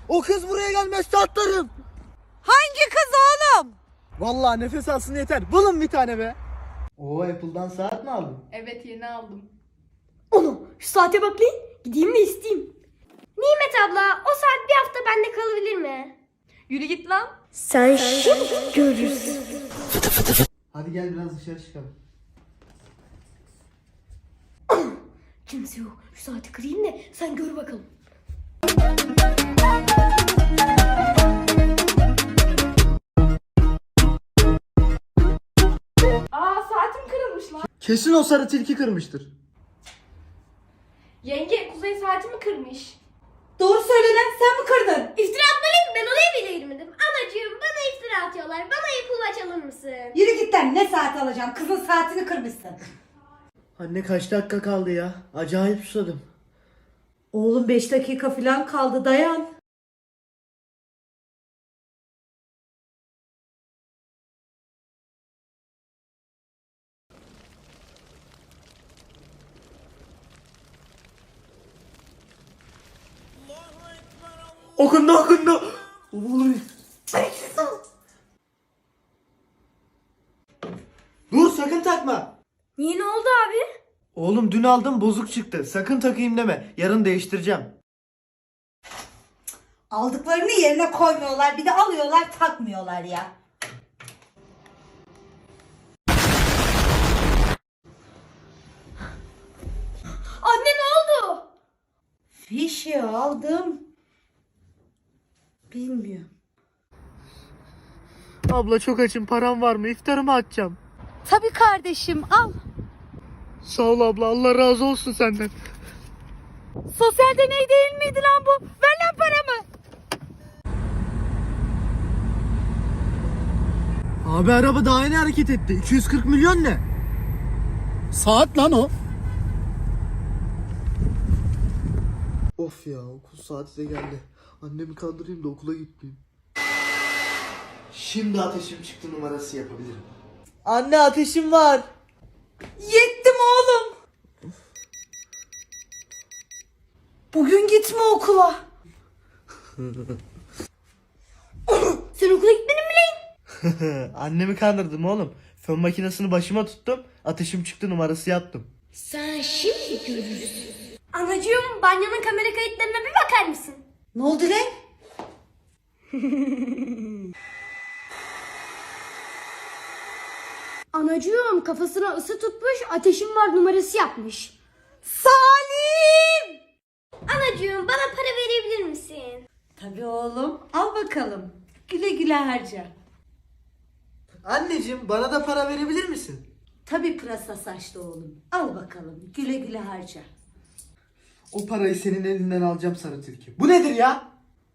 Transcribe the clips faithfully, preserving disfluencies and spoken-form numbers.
O kız buraya gelmezse atlarım. Hangi kız oğlum? Vallahi nefes alsın yeter. Bulun bir tane be. Oo, Apple'dan saat mi aldın? Evet, yeni aldım. Onu şu saate bak lan. Gideyim de isteyeyim. Nimet abla o saat bir hafta bende kalabilir mi? Yürü git lan. Sen şimdi görürsün. Hadi gel biraz dışarı çıkalım. Kimse yok. Şu saati kırayım da sen gör bakalım. Aa, saatim kırılmış lan. Kesin o sarı tilki kırmıştır. Yenge, Kuzey saatimi kırmış. Doğru söyle lan, sen mi kırdın? İftira atmalıyım, ben oraya bile girmedim. Anacığım bana iftira atıyorlar. Bana Apple Watch alır mısın? Yürü git lan, ne saat alacağım? Kızın saatini kırmışsın. Anne kaç dakika kaldı ya? Acayip susadım. Oğlum beş dakika falan kaldı, dayan. Okundu okundu. Oy. Dur, sakın takma. Niye, ne oldu abi? Oğlum dün aldım, bozuk çıktı. Sakın takayım deme. Yarın değiştireceğim. Aldıklarını yerine koymuyorlar, bir de alıyorlar takmıyorlar ya. Anne ne oldu? Fişi aldım. Bilmiyorum. Abla çok açım, param var mı? İftarımı açacağım. Tabii kardeşim, al. Sağ ol abla, Allah razı olsun senden. Sosyal deney değil miydi lan bu? Ver lan paramı. Abi araba daha yeni hareket etti. iki yüz kırk milyon ne? Saat lan o. Of ya, okul saati de geldi. Annemi kandırayım da okula gitmeyeyim. Şimdi ateşim çıktı numarası yapabilirim. Anne, ateşim var. Yettim oğlum. Bugün gitme okula. Sen okula gitmedin mi lan? Annemi kandırdım oğlum. Fön makinesini başıma tuttum. Ateşim çıktı numarası yaptım. Sen şimdi görürsün. Anacığım banyonun kamera kayıtlarına bir bakar mısın? Ne oldu lan? Anacığım kafasına ısı tutmuş, ateşim var numarası yapmış. Salim! Anacığım bana para verebilir misin? Tabii oğlum, al bakalım. Güle güle harca. Anneciğim, bana da para verebilir misin? Tabii pırasa saçlı oğlum. Al bakalım, güle güle harca. O parayı senin elinden alacağım sarı tilki. Bu nedir ya?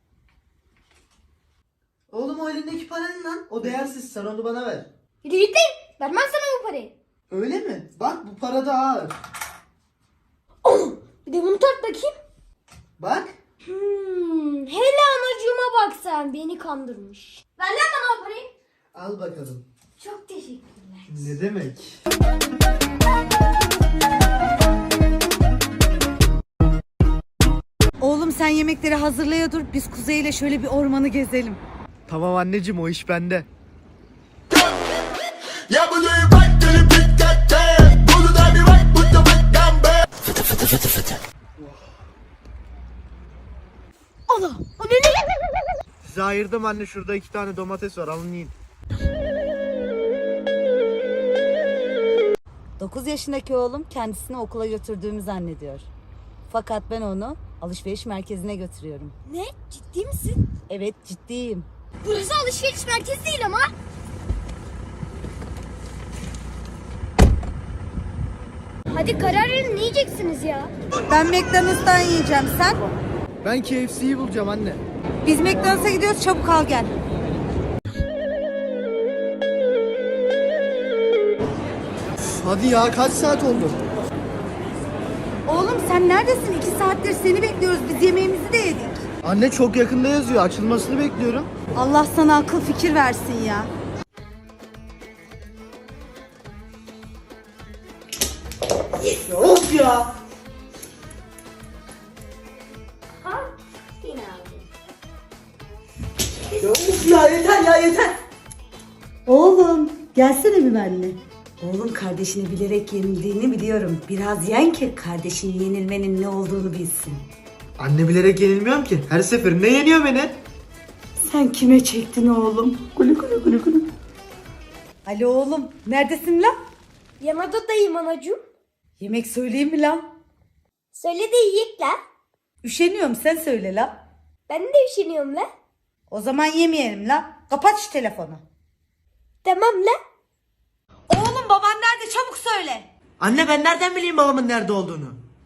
Oğlum, o elindeki para ne lan? O değersiz, sen onu bana ver. Yürü git lan, vermem sana bu parayı. Öyle mi? Bak, bu para da ağır. Oh, bir de bunu tart bakayım. Bak. Hmm, hele anacığıma bak sen, beni kandırmış. Ver lan bana o parayı. Al bakalım. Çok teşekkürler. Ne demek? Oğlum sen yemekleri hazırlaya dur. Biz Kuzey ile şöyle bir ormanı gezelim. Tamam anneciğim, o iş bende. Allah! O ne ne? Size ayırdım anne, şurada iki tane domates var, alın yiyin. dokuz yaşındaki oğlum kendisini okula götürdüğümü zannediyor. Fakat ben onu alışveriş merkezine götürüyorum. Ne? Ciddi misin? Evet, ciddiyim. Burası alışveriş merkezi değil ama. Hadi karar verin, ne yiyeceksiniz ya? Ben McDonald's'tan yiyeceğim, sen? Ben K F C'yi bulacağım anne. Biz McDonald's'a gidiyoruz, çabuk al gel. Hadi ya, kaç saat oldu? Oğlum sen neredesin? İki saattir seni bekliyoruz. Biz yemeğimizi de yedik. Anne, çok yakında yazıyor, açılmasını bekliyorum. Allah sana akıl fikir versin ya. Of ya! Ha? Yine aldım. Ya yeter ya yeter. Oğlum gelsene bir benimle. Oğlum kardeşini bilerek yenildiğini biliyorum. Biraz yen ki kardeşin yenilmenin ne olduğunu bilsin. Anne bilerek yenilmiyorum ki. Her seferinde yeniyor beni. Sen kime çektin oğlum? Kulü kulü kulü kulü. Alo oğlum neredesin lan? Yan odadayım anacığım. Yemek söyleyeyim mi lan? Söyle de yiyek la. Üşeniyorum sen söyle lan. Ben de üşeniyorum la. O zaman yemeyelim lan. Kapat şu telefonu. Tamam la. Oğlum baban nerede çabuk söyle. Anne ben nereden bileyim babamın nerede olduğunu?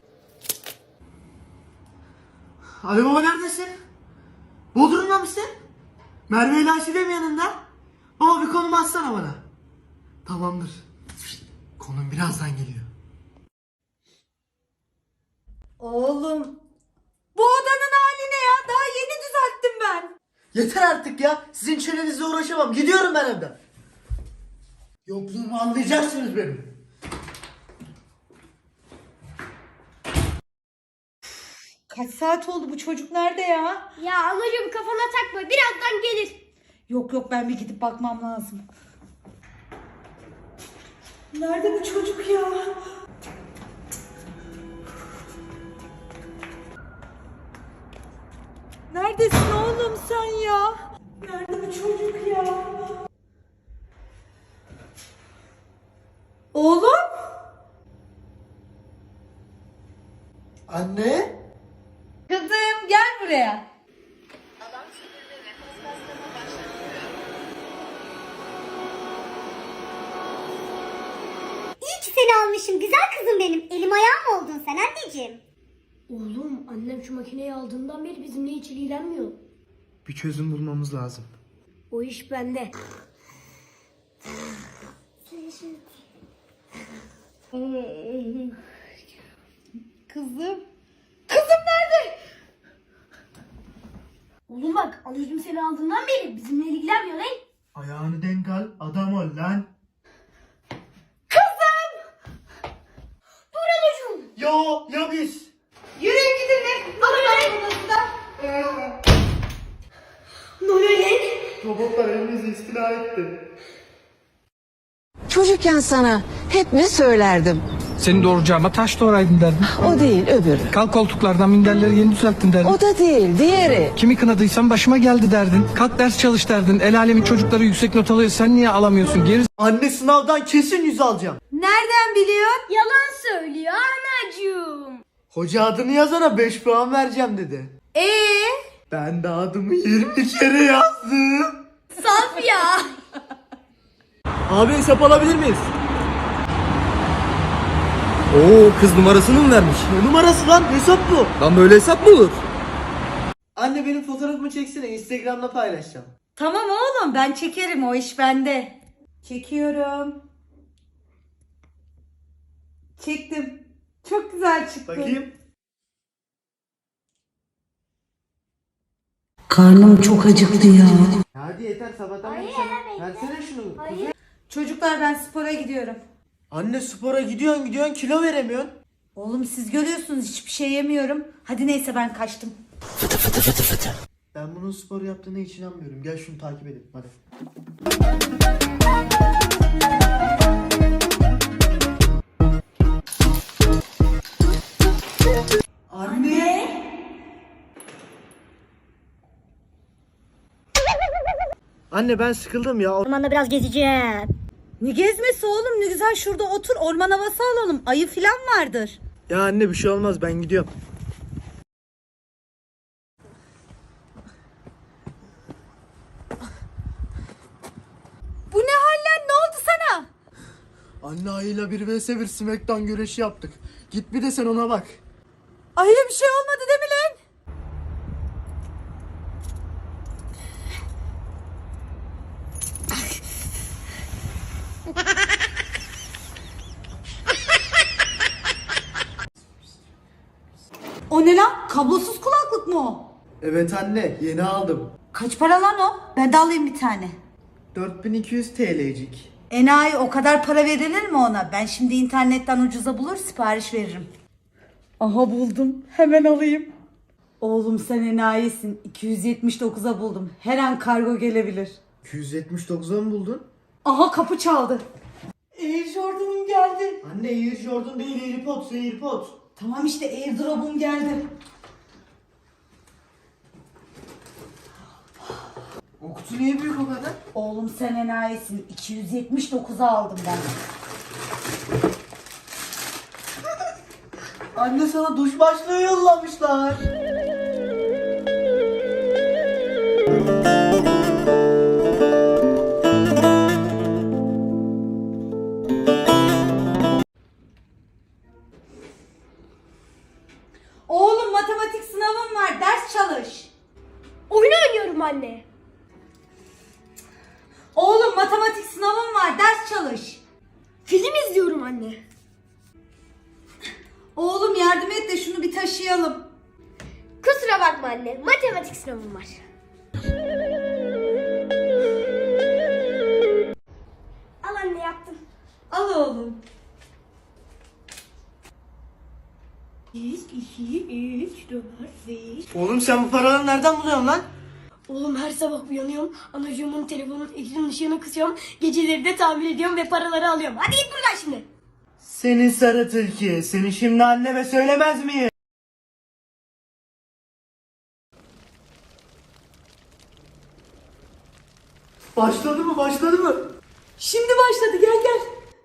Ali baba neredesin? Bodrum'da mısın? Merve ile Aşide mi yanında? Baba bir konum atsana bana. Tamamdır. Konum birazdan geliyor. Oğlum bu odanın hali ne ya? Daha yeni düzelttim ben. Yeter artık ya. Sizin çenenizle uğraşamam. Gidiyorum ben evden. Yokluğumu anlayacaksınız benim. Kaç saat oldu bu çocuk nerede ya? Ya anacığım kafana takma birazdan gelir. Yok yok ben bir gidip bakmam lazım. Nerede bu çocuk ya? Neredesin oğlum sen ya? Nerede bu çocuk ya? Oğlum? Anne? Kızım gel buraya. İyi ki seni almışım güzel kızım benim. Elim ayağım oldun sen anneciğim. Oğlum annem şu makineyi aldığından beri bizimle hiç ilgilenmiyor. Bir çözüm bulmamız lazım. O iş bende. Kızım. Kızım nerede? Oğlum bak anacığım seni aldığından beri bizimle ilgilenmiyor lan. Ayağını denk al. Adam ol lan. Dur anacığım. Yo ya biz. Yürüyün gidin be. Babanın odasında. Ne oluyor lan? Robotlar evimizi istila etti. Çocukken sana hep ne söylerdim? Seni doğuracağıma taş doğraydın derdim. O değil öbürü. Kalk koltuklardan minderleri yeni düzelttin derdin. O da değil diğeri. Kimi kınadıysam başıma geldi derdin. Kalk ders çalış derdin. El alemin çocukları yüksek not alıyor. Sen niye alamıyorsun? Geri Anne sınavdan kesin yüz alacağım. Nereden biliyorsun? Yalan söylüyor anacığım. Hoca adını yazana beş puan vereceğim dedi. Ee? Ben de adımı yirmi kere yazdım. Saf ya. Abi hesap alabilir miyiz? Oo kız numarasını mı vermiş? Ne numarası lan? Hesap bu. Lan böyle hesap mı olur? Anne benim fotoğrafımı çeksene Instagram'da paylaşacağım. Tamam oğlum ben çekerim o iş bende. Çekiyorum. Çektim. Çok güzel çıktı. Bakayım. Karnım çok acıktı ya. Hadi yeter sabahtan beri sen. Versene şunu. Çocuklar ben spora gidiyorum. Anne spora gidiyorsun gidiyorsun kilo veremiyorsun. Oğlum siz görüyorsunuz hiçbir şey yemiyorum. Hadi neyse ben kaçtım. Ben bunun spor yaptığına hiç inanmıyorum. Gel şunu takip edelim hadi. Anne! Anne ben sıkıldım ya. Ormanda biraz gezeceğim. Ne gezmesi oğlum ne güzel şurada otur orman havası alalım. Ayı filan vardır. Ya anne bir şey olmaz ben gidiyorum. Bu ne haller ne oldu sana? Anne ayıyla bir vs bir smackdown güreşi yaptık. Git bir de sen ona bak. Ayıya bir şey olmadı değil mi lan? O ne lan? Kablosuz kulaklık mı o? Evet anne yeni aldım. Kaç para lan o? Ben de alayım bir tane. dört bin iki yüz T L'cik. Enayi o kadar para verilir mi ona? Ben şimdi internetten ucuza bulur sipariş veririm. Aha buldum. Hemen alayım. Oğlum sen enayisin. iki yüz yetmiş dokuza buldum. Her an kargo gelebilir. iki yüz yetmiş dokuza mı buldun? Aha kapı çaldı. Air Jordan'ım geldi. Anne Air Jordan değil AirPods AirPods. Tamam işte airdrop'um geldi. O kutu niye büyük o kadar? Oğlum sen enayisin. iki yüz yetmiş dokuza aldım ben. Anne sana duş başlığı yollamışlar. Oğlum matematik sınavım var. Ders çalış. Oyun oynuyorum anne. Oğlum matematik sınavım var. Ders çalış. Film izliyorum anne. Oğlum yardım et de şunu bir taşıyalım. Kusura bakma anne. Matematik sınavım var. Al anne yaptım. Al oğlum. Bir, iki, üç, dört, beş. Oğlum sen bu paraları nereden buluyorsun lan? Oğlum her sabah uyanıyorum. Anacığımın telefonun ekran ışığını kısıyorum. Geceleri de tamir ediyorum ve paraları alıyorum. Hadi git buradan şimdi. Senin sarı tilki. Seni şimdi anneme söylemez miyim? Başladı mı? Başladı mı? Şimdi başladı gel gel.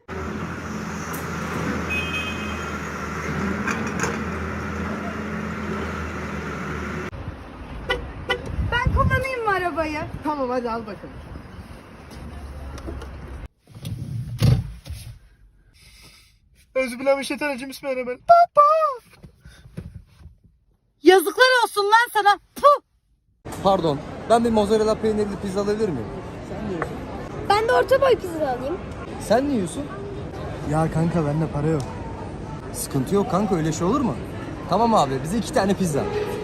Ben kullanayım mı arabayı? Tamam hadi al bakalım. Özbillahimineşşeytanirracim. Bismillahirrahmanirrahim. Yazıklar olsun lan sana. Puh. Pardon, ben bir mozzarella peynirli pizza alabilir miyim? Ben de orta boy pizza alayım. Sen ne yiyorsun? Ya kanka bende para yok. Sıkıntı yok kanka, öyle şey olur mu? Tamam abi, bize iki tane pizza.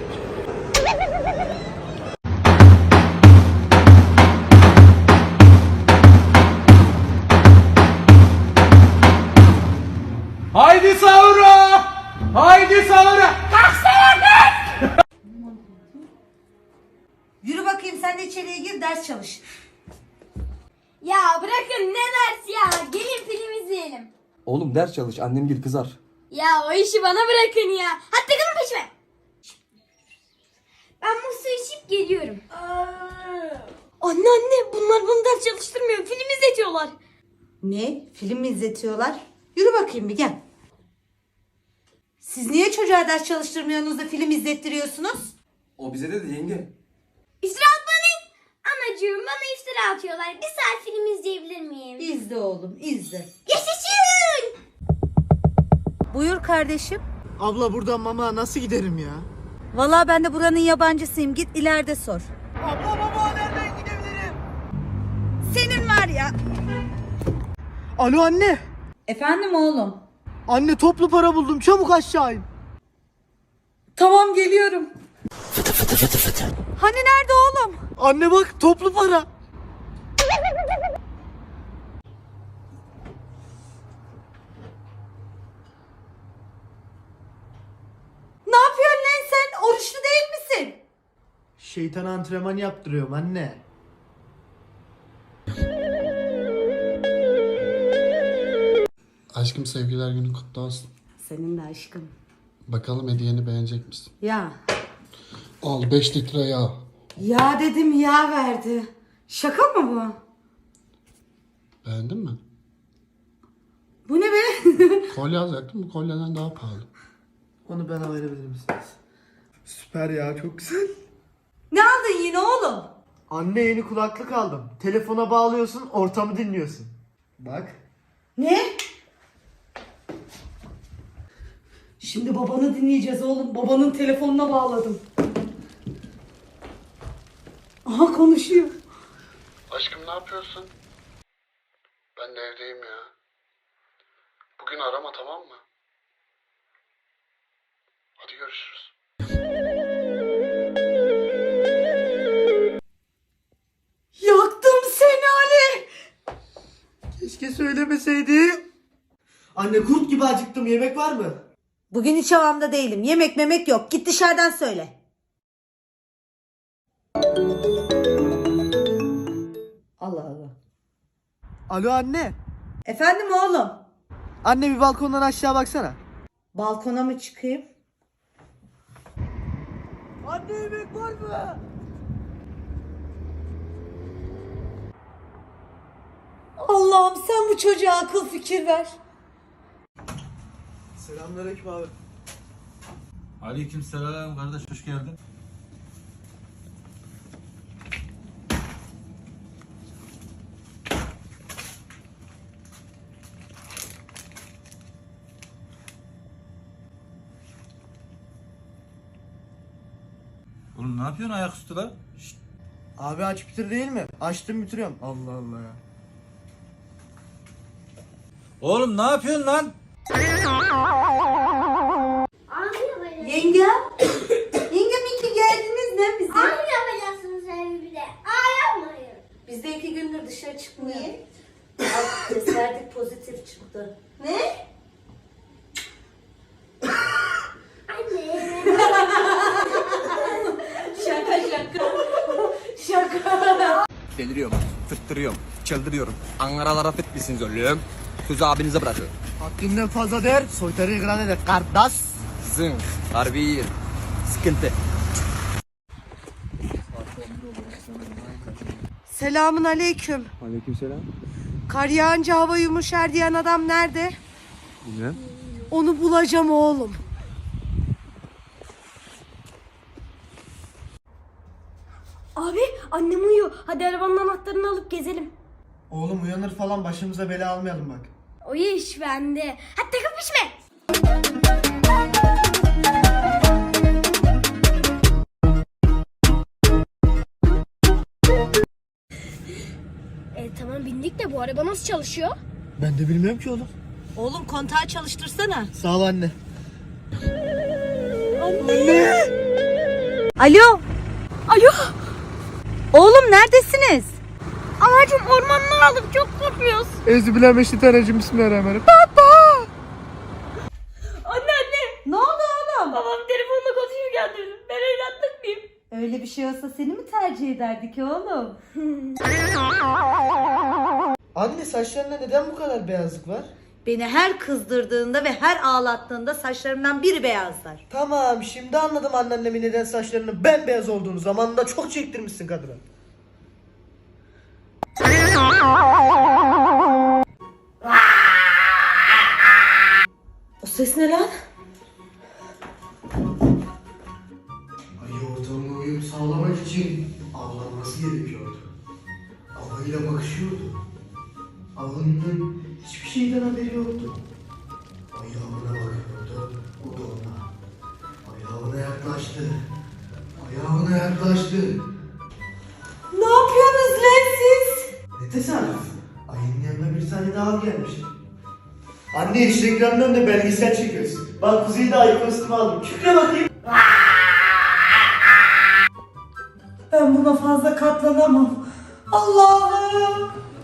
Haydi sahura! Haydi sahura! Yürü bakayım sen de içeriye gir ders çalış. Ya bırakın ne ders ya. Gelin film izleyelim. Oğlum ders çalış, annem gel kızar. Ya o işi bana bırakın ya. Hadi takılın peşime. Ben bu su içip geliyorum. Anne anne bunlar bana ders çalıştırmıyor. Film izletiyorlar. Ne? Film mi izletiyorlar? Yürü bakayım bir gel. Siz niye çocuğa ders çalıştırmıyorsunuz da film izlettiriyorsunuz? O bize dedi yenge. İftira atmayın. Anacığım bana iftira atıyorlar. Bir saat film izleyebilir miyim? İzle oğlum izle. Yaşasın. Buyur kardeşim. Abla buradan mama nasıl giderim ya? Vallahi ben de buranın yabancısıyım. Git ileride sor. Abla baba nereden gidebilirim? Senin var ya. Alo anne. Efendim oğlum. Anne toplu para buldum. Çabuk aşağı in. Tamam geliyorum. Hani nerede oğlum? Anne bak toplu para. Ne yapıyorsun lan sen? Oruçlu değil misin? Şeytan antrenman yaptırıyorum anne. Aşkım sevgiler günü kutlu olsun. Senin de aşkım. Bakalım hediyeni beğenecek misin? Ya. Al beş litre yağ. Ya dedim ya verdi. Şaka mı bu? Beğendin mi? Bu ne be? Kolye alacaktım, bu kolyeden daha pahalı. Onu bana verebilir misiniz? Süper ya çok güzel. Ne aldın yine oğlum? Anne yeni kulaklık aldım. Telefona bağlıyorsun ortamı dinliyorsun. Bak. Ne? Şimdi babanı dinleyeceğiz oğlum. Babanın telefonuna bağladım. Aha konuşuyor. Aşkım ne yapıyorsun? Ben de evdeyim ya. Bugün arama, tamam mı? Hadi görüşürüz. Yaktım seni Ali. Keşke söylemeseydim. Anne kurt gibi acıktım. Yemek var mı? Bugün hiç havamda değilim. Yemek memek yok. Git dışarıdan söyle. Allah Allah. Alo anne. Efendim oğlum? Anne bir balkondan aşağı baksana. Balkona mı çıkayım? Anne yemek var mı? Allah'ım sen bu çocuğa akıl fikir ver. Selamünaleyküm abi. Aleykümselam kardeş, hoş geldin. Oğlum ne yapıyorsun ayaküstü lan? Şşt. Abi aç bitir değil mi? Açtım bitiriyorum. Allah Allah ya. Oğlum ne yapıyorsun lan? Yenge. Yengem iki geldiniz ne bize? Abi yapacaksınız evde. Aa yapmayın. Biz de iki gündür dışarı çıkmıyor. Bak test verdik pozitif çıktı. Ne? Anne. Şaka şaka. Şaka. Deliriyorum, fıttırıyorum, çıldırıyorum. Angaralara fit misiniz oğlum? Sözü abinize bırakın. Haddinden fazla der, soytarı ikram eder. Kardeş. Zınk, harbi iyi. Sıkıntı. Selamun aleyküm. Aleykümselam. Kar yağınca hava yumuşar diyen adam nerede? Bilmem. Onu bulacağım oğlum. Abi annem uyuyor. Hadi arabanın anahtarını alıp gezelim. Oğlum uyanır falan başımıza bela almayalım bak. O iş bende. Hadi takıp pişme. E tamam bindik de bu araba nasıl çalışıyor? Ben de bilmiyorum ki oğlum. Oğlum kontağı çalıştırsana. Sağ ol anne. Alo. Alo. Oğlum neredesiniz? Anacığım ormandan aldık çok korkuyoruz. Euzubillahimineşşeytanirracim. Bismillahirrahmanirrahim. Anne anne. Ne oldu oğlum? Babam telefonla konuşurken dedim. Ben evlatlık mıyım? Öyle bir şey olsa seni mi tercih ederdik oğlum? Anne saçlarında neden bu kadar beyazlık var? Beni her kızdırdığında ve her ağlattığında saçlarımdan biri beyazlar. Tamam şimdi anladım anneannemin neden saçlarının bembeyaz olduğunu. Zamanında çok çektirmişsin kadına. O ses ne lan? Ayı ortamına uyum sağlamak için avlanması gerekiyordu. Avıyla bakışıyordu. Avının hiçbir şeyden haberi yoktu. Ayı avına bakıyordu, o da ona. Ayı avına yaklaştı. Ayı avına yaklaştı. Ne yapıyorsunuz lan siz? Ne tesadüf. Ayının yanına bir tane daha av gelmiş. Anne iş reklamının önünde belgesel çekiyorsun. Bak Kuzey'i de ayı kostümü aldım. Şükre bakayım. Ben buna fazla katlanamam. Allah'ım.